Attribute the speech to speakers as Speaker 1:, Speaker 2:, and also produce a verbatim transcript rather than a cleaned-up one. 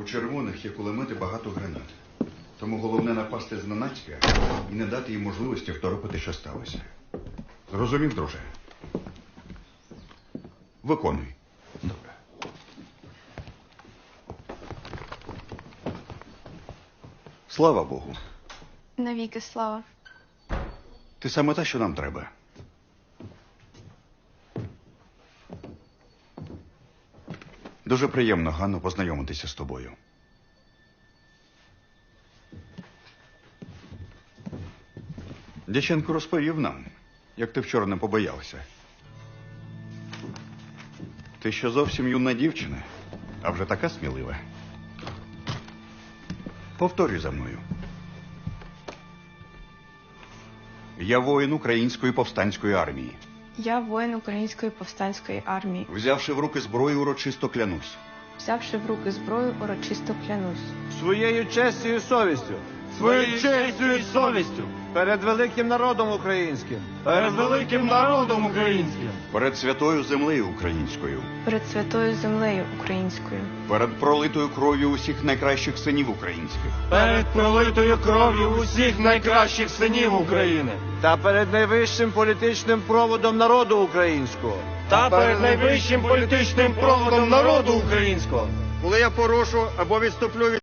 Speaker 1: червоних є кулемети, багато гранат. Тому головне напасти зненацька і не дати їм можливості второпити, що сталося. Зрозумів, друже? Виконуй. Добре. Слава Богу.
Speaker 2: Навіки слава.
Speaker 1: Ти саме те, що нам треба. Дуже приємно, Ганно, познайомитися з тобою. Дяченко розповів нам, як ти вчора не побоявся. Ти ще зовсім юна дівчина, а вже така смілива. Повторюй за мною. Я воїн Української повстанської армії.
Speaker 2: Я воїн Української повстанської армії.
Speaker 1: Взявши в руки зброю, урочисто клянусь.
Speaker 2: Взявши в руки зброю, урочисто клянусь.
Speaker 3: Своєю честю і совістю.
Speaker 4: Своєю честю і совістю.
Speaker 3: Перед великим народом українським.
Speaker 4: Перед великим народом українським.
Speaker 1: Перед святою землею українською.
Speaker 2: Перед святою землею українською.
Speaker 1: Перед пролитою кров'ю усіх найкращих синів українських.
Speaker 4: Перед пролитою кров'ю усіх найкращих синів України.
Speaker 3: Та перед найвищим політичним проводом народу українського.
Speaker 4: Та перед найвищим політичним проводом народу українського.
Speaker 5: Коли я порушу або відступлю від